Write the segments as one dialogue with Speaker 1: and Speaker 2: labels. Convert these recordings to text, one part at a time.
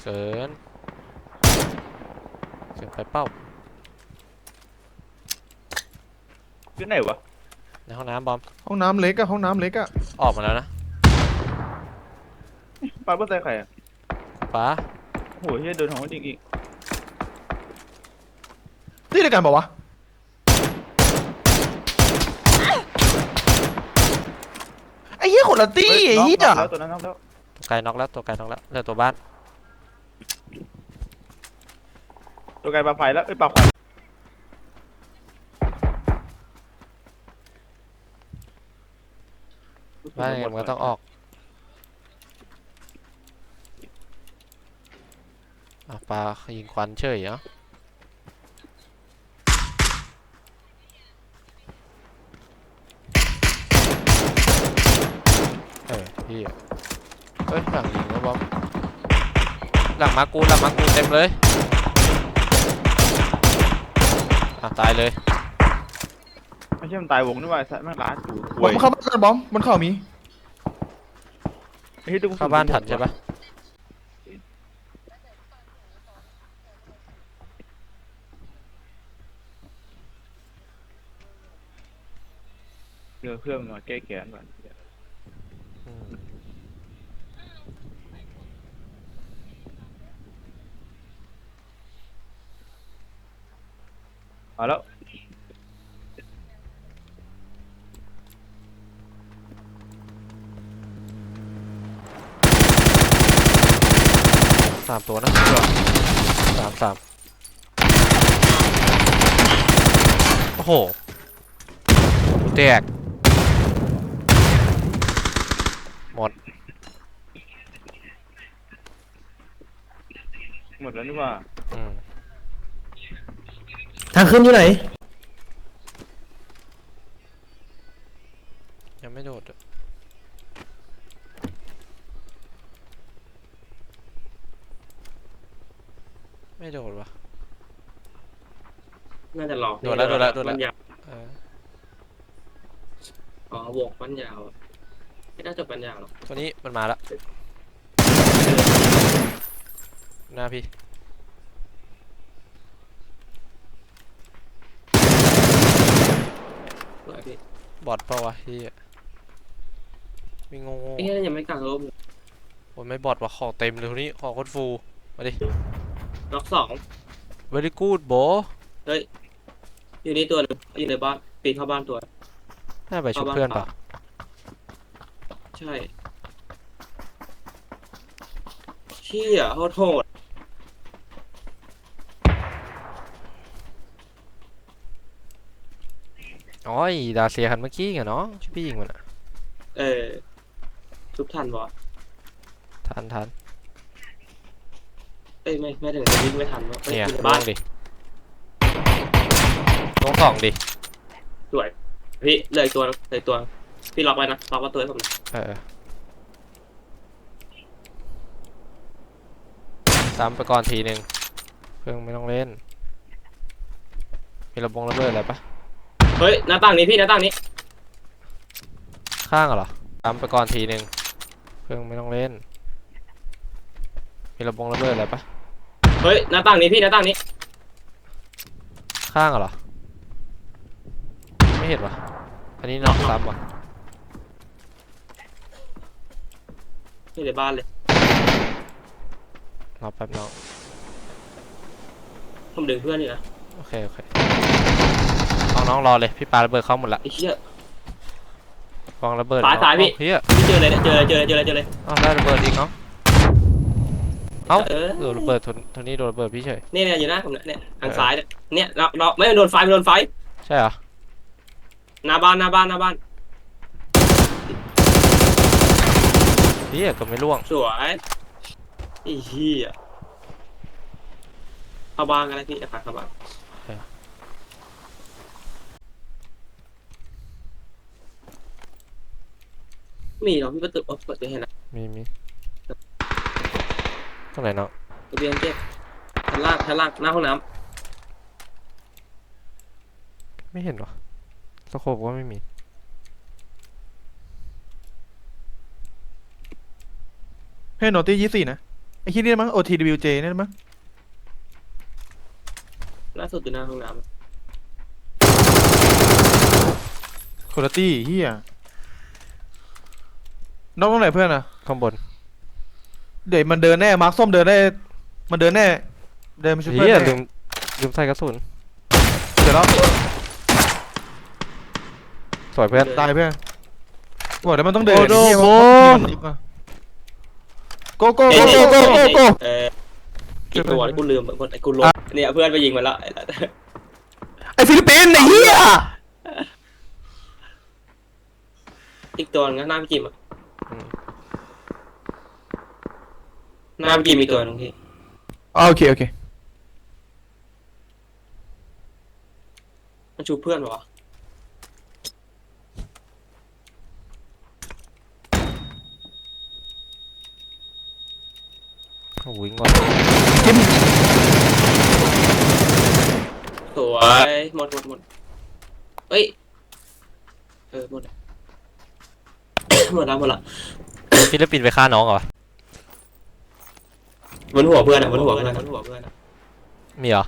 Speaker 1: เกินเกินไปเป้า
Speaker 2: อยู่ไหนวะ
Speaker 1: ในห้องน้ำบอม
Speaker 3: ห้องน้ำเล็กอะห้องน้ำเล็กอะ
Speaker 1: ออกมาแล้วนะ
Speaker 2: ปาเพื่อใส่ไข่อะ
Speaker 1: ฟ้า
Speaker 2: โหเฮียเดินของจริงอีก
Speaker 3: ที่เดียวกันเปล่าวะไอ้เหี้ยคนละตี้ไอ้เหี้ย
Speaker 2: น็อกแล้วตัวนั้นน็อกแล้ว
Speaker 1: ตัวไกลน็อกแล้วตัวไกลน็อกแล้วเหลือตัวบ้าน
Speaker 2: ตัวไกลปลาไฟแล้วปลาไฟ
Speaker 1: บ้านยังไงมันก็ต้องออกปลายิงควันเฉยเหรอพี่เฮ้ยหลังยิงแล้วบอมหลังมากูเต็มเลยตายเลย
Speaker 2: ไม่ใช่มันตายวงนี่ว่าแม่งร้านอยู่
Speaker 3: บอมเข้าบ้านบอมบนเข่ามี
Speaker 1: เข้าบ้านทันใช่ปะ
Speaker 2: เพื่อนมาแก้แค้นก่อนเอาแล้ว
Speaker 1: 3 ตัวนะสามโอ้โหแตกหมด
Speaker 2: แล้วนี่ว่า
Speaker 3: ทางขึ้นอยู่ไหน
Speaker 1: ยังไม่โดดไม่โดดวะ
Speaker 4: น่าจะหลอก
Speaker 1: โดดแล้ว
Speaker 4: มันยาว
Speaker 1: เออ
Speaker 4: อ๋อวงมันยาวไม่น่าจะปัญญาหรอก
Speaker 1: ตัวนี้มันมาแล้วหน้าพี่
Speaker 4: สวยพี่
Speaker 1: บอดเปล่าวะพี่มีงง
Speaker 4: ไอ้เหี้ยยังไม่กลางลบเลย
Speaker 1: โอ้ยไม่บอดวะของเต็มเลยทีนี้ของโคตรฟูมาดิ
Speaker 4: ล็อกสอง
Speaker 1: very good bro
Speaker 4: เฮ้ยอยู่นี่ตัวหนึงอยู่ในบ้านปีนเข้าบ้านตัว
Speaker 1: น่าไปชุบเพื่อนปะ
Speaker 4: ใช่เชี่ยโหด
Speaker 1: อ๋อดาเซียคันเมื่อกี้ไงเนาะชื่อพี่ยิงมันอะ
Speaker 4: ทุบทันวะ
Speaker 1: ทัน
Speaker 4: เอ้ยไม่ถึงวิ่งไม่ทันวะ
Speaker 1: เนี่ย
Speaker 4: อยู่ใน
Speaker 1: ล
Speaker 4: บ้าน
Speaker 1: งดิลงสองดิ
Speaker 4: สวยพี่เหลยตัวพี่ล็อกไว้นะล็อกไว้ตัวให้ผมนะ
Speaker 1: ซ้ำไปก่อนทีหนึ่งเพิ่งไม่ต้องเล่นมีระเบิดอะไรปะ
Speaker 4: เฮ้ยหน้าต่างนี้พี่หน้าต่างนี้
Speaker 1: ข้างเหรอซ้ำไปก่อนทีหนึ่งเพิ่งไม่ต้องเล่นมีระเบิดอะไรปะ
Speaker 4: เฮ้ยหน้าต่างนี้พี่หน้าต่างนี้
Speaker 1: ข้างเหรอไม่เห็นวะอันนี้น็อกซ้ำวะ
Speaker 4: อยู่ในบ้านเลย
Speaker 1: รอแป๊บน้อง
Speaker 4: ผมดึงเพื่อนอยู่นะ
Speaker 1: โอเคน้องรอเลยพี่ปาระเบิดเข้าหมดละ
Speaker 4: ไอ้เชี่ยว
Speaker 1: างระเบิด
Speaker 4: สายพี่
Speaker 1: เฮีย
Speaker 4: พี่เจอเลยเนี่ยเจอเลย
Speaker 1: ได้ระเบิดอีกเนาะเอ้า
Speaker 4: เออ
Speaker 1: โดนระเบิดทนนี้โดนระเบิดพี่เฉย
Speaker 4: เนี่ยอยู่หน้าผมเนี่ยทางซ้ายเนี่ยเราไม่โดนไฟ
Speaker 1: ใช่เหรอ
Speaker 4: หน้าบ้าน
Speaker 1: เฮียก็ไม่ล่วง
Speaker 4: สวยไอ้เหี้ยเข้าบ้านกันเลยพี่จะพาเข้าบ้านมีเหรอพี่ประตูเปิดไปเห็นนะ
Speaker 1: มีตรงไหนเนาะ
Speaker 4: ระเบียงเก็บชั้นล่างหน้าห้องน้
Speaker 1: ไม่เห็นวะสโคปก็ไม่มี
Speaker 3: ให้โนตี้24นะไอ้ที่นี่มั้ง OTWJ นี่มั้ง
Speaker 4: ล่าสุดอยู่หน้าห้องน้
Speaker 3: คุณภาพเฮียน้องตรงไหนเพื่อนอะ
Speaker 1: ข้างบน
Speaker 3: เดี๋ยวมันเดินแน่มาร์คส้มเดินได้มันเดินแน่เดินมาช่วยเพื่
Speaker 1: เฮี
Speaker 3: อย นแน่
Speaker 1: ลืมใส่กระสุน
Speaker 3: เดี๋ยวแล้ว
Speaker 1: สวยเพื่อน
Speaker 3: ตายเพื่อนบอกแล้วมันต้องเดิน
Speaker 1: โอ้โห
Speaker 3: เหี้ยโกโก้
Speaker 4: ำ
Speaker 3: โกโก้โกโก้โก
Speaker 4: กี่ตัวกูลืมหมดกูลบเนี่ยเพื่อนไปยิงมาแล้ว
Speaker 3: ไอฟิลิปปินส์ไอ้เหี้ย
Speaker 4: อีกตัวนึงหน้าพี่จิมอ่ะหน้าพี่จิมมีตัวนึงพี่
Speaker 3: โอเคโอเค
Speaker 4: มันชูเพื่อนวะ
Speaker 1: วิ่งก่อน
Speaker 4: สวยหมดเอ้ยหมดหมดละ
Speaker 1: ฟิลิปปินส์ไปฆ่าน้องเหรอ
Speaker 4: บนหัวเพื่อนอ่ะบนหัวเพื่อน
Speaker 1: มีเหรอ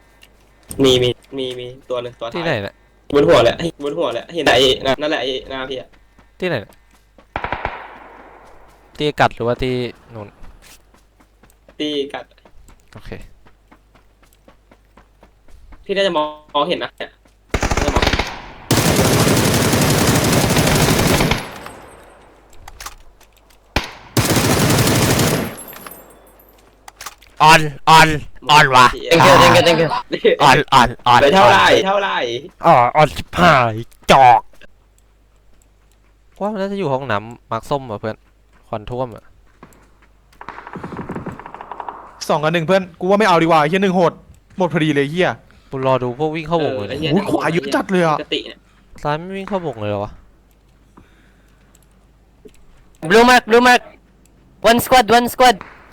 Speaker 4: มีตัวหนึ่งตัว
Speaker 1: ที่ไหนเนี่ย
Speaker 4: บนหัวแหละเห็นไหนนั่นแหละไอ้หน้าพี่อ่ะ
Speaker 1: ที่ไหนเนี่ยที่กัดหรือว่าที่นู่น
Speaker 4: ตีกัด
Speaker 1: โอเค
Speaker 4: พี่น่าจะมองเห็นนะเนี่ยน่าจะมอง
Speaker 1: ออนว่ะ
Speaker 4: thank you
Speaker 1: ออน
Speaker 4: ไปเท่าไหร่
Speaker 1: ออนชิบหายจอกว่ามันน่าจะอยู่ห้องน้ำมาร์คส้มอ่ะเพื่อนควันท่วมอ่ะ
Speaker 3: 2-1เพื่อนกูว่าไม่เอาดีกว่าไอ้เหี้ย1โหดหมดพอดีเลยเหี้ย
Speaker 1: กูรอดูพวกวิ่งเข้าวงเลย
Speaker 3: โอ้ยขวาเยอะจัดเลยอะ
Speaker 4: ปกติเนี่ย
Speaker 1: ซ้ายไม่วิ่งเข้าวงเลยเหรอวะ
Speaker 5: Blue mark. One squad.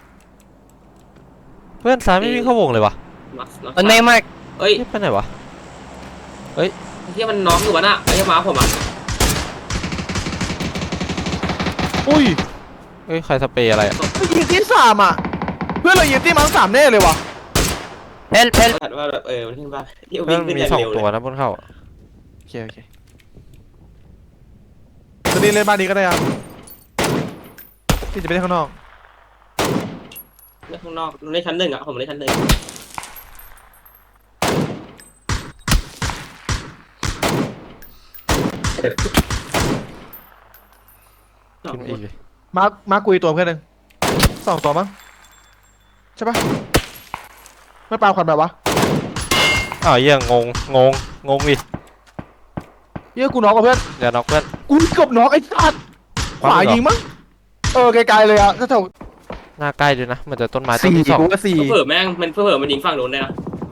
Speaker 1: เพื่อนซ้ายไม่วิ่งเข้าวงเลยวะ
Speaker 5: On my mark.
Speaker 4: เอ้ย
Speaker 1: เฮ้ยไปไหนวะ
Speaker 4: ที่มันน้องอยู่วะน่ะไอ้ยมาผมอ่ะ
Speaker 3: อุ้ย
Speaker 1: เฮ้ยใครสเปรย์อะไรอะ
Speaker 3: ยิงที่3อ่ะเพื่อนเรายิงที่มั้ง3แน่เลยวะ
Speaker 5: Help.
Speaker 4: ถัดว่าแบบมันขึ้นบ้านที่
Speaker 1: เพื่
Speaker 4: วิ่
Speaker 1: อง น
Speaker 4: ขึ้น
Speaker 1: มี
Speaker 4: อย่าง
Speaker 1: 2
Speaker 4: เร็วเล
Speaker 1: ตัวย นะบนเข้าอะ
Speaker 3: โอเคตอนนี้เล่นบ้านนี้ก็ได้อะที่จะไปเล่นข้างนอก
Speaker 4: เล่นข้างนอกเล่นชั้น1อ่ะผมเล่นชั้น1
Speaker 1: ขึ้นอีกเลย
Speaker 3: มาร์คกุยตัวเพื่อนหนึ่ง2 ตัวมั้งใช่ปะไม่ปาควันแบบวะ
Speaker 1: อ้าวเหี้ยงงอีก
Speaker 3: เหี้ยกูน็อกกับเพื่อน
Speaker 1: เดี๋ยวน็อกเพื่อน
Speaker 3: กูเกือบน็อกไอ้สัตว์ขวายิงมั้งไกลๆเลยอะถ้าเท่า
Speaker 1: หน้าใกล้ด้วยนะมันจะต้นไม้ต้น
Speaker 3: 4
Speaker 1: ที่สอง
Speaker 3: กูว่า4
Speaker 4: เผื่อแม่งมันเผื่อมันยิงฝั่งนู้นเลยนะ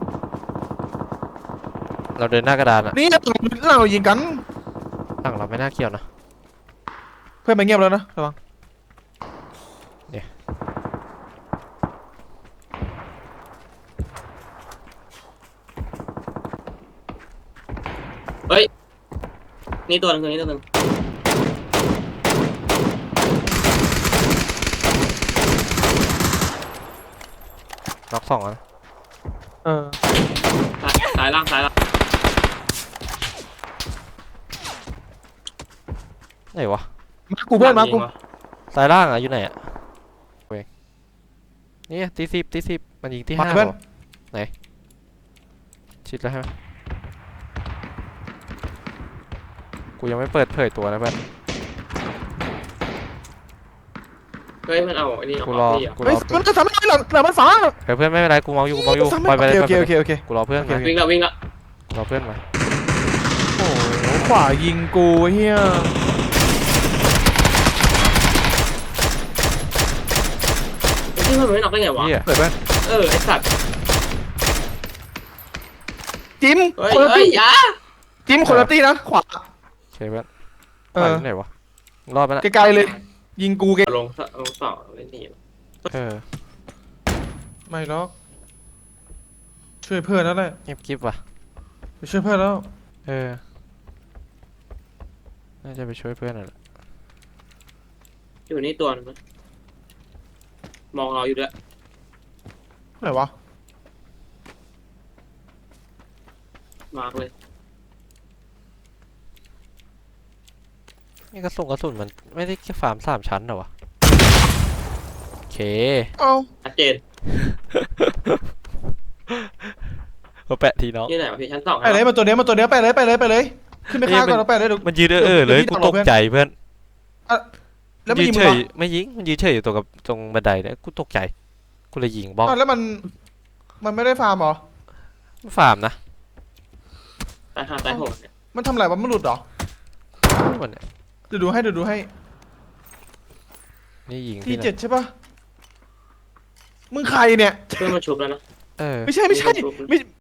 Speaker 1: เราเดินหน้ากระดานอะ
Speaker 3: นี่เรายิงกัน
Speaker 1: หลังเราไม่น่าเกี่ยวนะ
Speaker 3: เพื่อนมาเงียบแล้วนะระวัง
Speaker 4: เฮ้ยนี่ตัวนึงนี่ตัวนึง
Speaker 1: น็อก2แล้วนะ
Speaker 4: สายล่าง
Speaker 1: ไหนวะ
Speaker 3: มากูเพื่อนมากู
Speaker 1: ซ้ายล่างอะอยู่ไหนอะเว้ยนี่ตีสิบมันยิงที่
Speaker 3: มา
Speaker 1: 5
Speaker 3: เพื่อน
Speaker 1: เหรอไหนชิดแล้วใช่ไหมกูยังไม่เปิดเผยตัวนะเพื่อน
Speaker 4: เฮ้ยมันเอาไอ้นี่
Speaker 1: กูรอ
Speaker 3: เฮ้ยมันจะทำให้เรามันฟ้า
Speaker 1: เพื่อนไม่เป็นไรกูเมาอยู่ปล่อยไปเลย
Speaker 3: โอเค
Speaker 1: กูรอเพื่อนมา
Speaker 4: วิ่งละ
Speaker 1: รอเพื่อนมา
Speaker 3: โอ้โหขวายิงกูเฮีย
Speaker 4: ที่มันไม่น็อกได้ไงวะ
Speaker 1: เฮีย
Speaker 3: เปิดไป
Speaker 4: ไอ้สัตว์
Speaker 3: จิ้ม
Speaker 4: เฮ้ย
Speaker 3: คนละ
Speaker 4: เฮ้ย
Speaker 3: ตี้
Speaker 4: ยา
Speaker 3: จิ้มคนละตี้นะขวา
Speaker 1: โอเคเพื่อนไปไหนวะรอดไปละ
Speaker 3: ไกลๆเลยยิงกูไกล
Speaker 4: ลงต่อเล่นทีม
Speaker 3: ไม่หรอกช่วยเพื่อนแล้วแหละ
Speaker 1: เงียบกิ๊บว่ะ
Speaker 3: ไปช่วยเพื่อนแล้ว
Speaker 1: น่าจะไปช่วยเพื่อนน่ะแหละ
Speaker 4: อยู่นี่ตัวนึงมองเราอยู่ด้วย
Speaker 3: ไหนวะ
Speaker 4: มาร์กเลย
Speaker 1: นี่กระสุนมันไม่ได้แค่ฟาร์ม3 ชั้นเหรอวะโอเค
Speaker 3: เอ้า
Speaker 4: ชัดเจน
Speaker 1: มาแปะทีน้อง
Speaker 4: ที่ไหนวะพี่ชั้นสอง
Speaker 3: ไปเลยมาตัวเนี้ยไปเลยขึ้นไปฆ่าก่อนแล้วไปเลยเดี๋ยว
Speaker 1: มันยืนเลย
Speaker 3: เดี๋ยวพี่
Speaker 1: กู
Speaker 3: ดักร
Speaker 1: ต
Speaker 3: อก เพื่อน
Speaker 1: ใจเพื่อน
Speaker 3: แล้วไม่
Speaker 1: ยื
Speaker 3: ยิ
Speaker 1: น
Speaker 3: ง
Speaker 1: เฉ
Speaker 3: มึง
Speaker 1: ย
Speaker 3: เหรอ
Speaker 1: ไม่ยิงมันยืนเฉยอยู่ตรงบันไดเนี่ยกูตกใจกูเลยยิงบ้อง
Speaker 3: อ้าวแล้วมันไม่ได้ฟาร์มเหรอ
Speaker 1: ฟาร์มนะ
Speaker 4: ตายห้าตายหกเนี่ย
Speaker 3: มันทำอะไรวะมันหลุดเหรอ
Speaker 1: มันเนี่ย
Speaker 3: เดี๋ยวดูให้
Speaker 1: นี่ยิง
Speaker 3: ที
Speaker 1: ที่ไหน
Speaker 3: เจ็ดใช่ปะมึงใครเนี่ย
Speaker 4: เพื่อนมาชุบแล้วนะ
Speaker 1: เออ
Speaker 3: ไม่ใช่